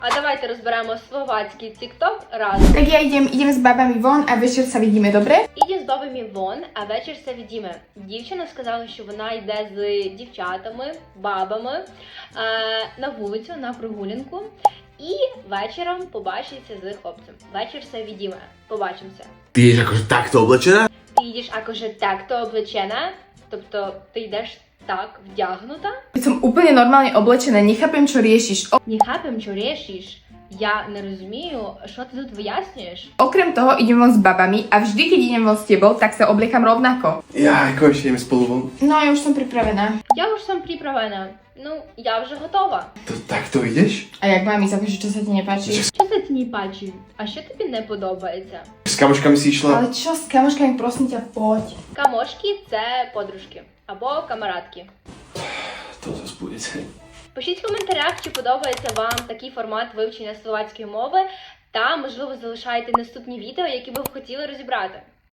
A давайте розберемо словацький TikTok разом. Tak ja idem s babami von a večer sa vidíme, dobre? Іді з бабами вон, а вечір все відіме. Дівчина сказала, що вона йде з дівчатами, бабами на вулицю, на прогулянку. І вечором побачиться з хлопцем. Вечір все відіме. Побачимося. Ty ješ akože takto oblečená? Ти йдеш акоже так-то облечена, тобто ти йдеш так вдягнута. Keď som úplne normálne oblečená, nechápem, čo riešiš. Не хапем, що рішиш. Я не розумію, що ти тут вияснюєш. Okrem toho idem von s babami a vždy, keď idem von s tebou, tak sa obliekam rovnako. Ja, konečne ideme spolu von. No, ja už som pripravená. Я вже сам приправена. Ну, я вже готова. To takto ideš? A jak mám ísť, akože čo sa ti nepáči? Що за ті пачі? А що тобі не подобається? S kamoškami si išla? Ale čo s kamoškami, prosím ťa, poď. Камошки – це подружки або камарадки. To zase budete. Пишіть в коментарях, чи подобається вам такий формат вивчення словацької мови, та, можливо, залишайте наступні відео, які ви б хотіли розібрати.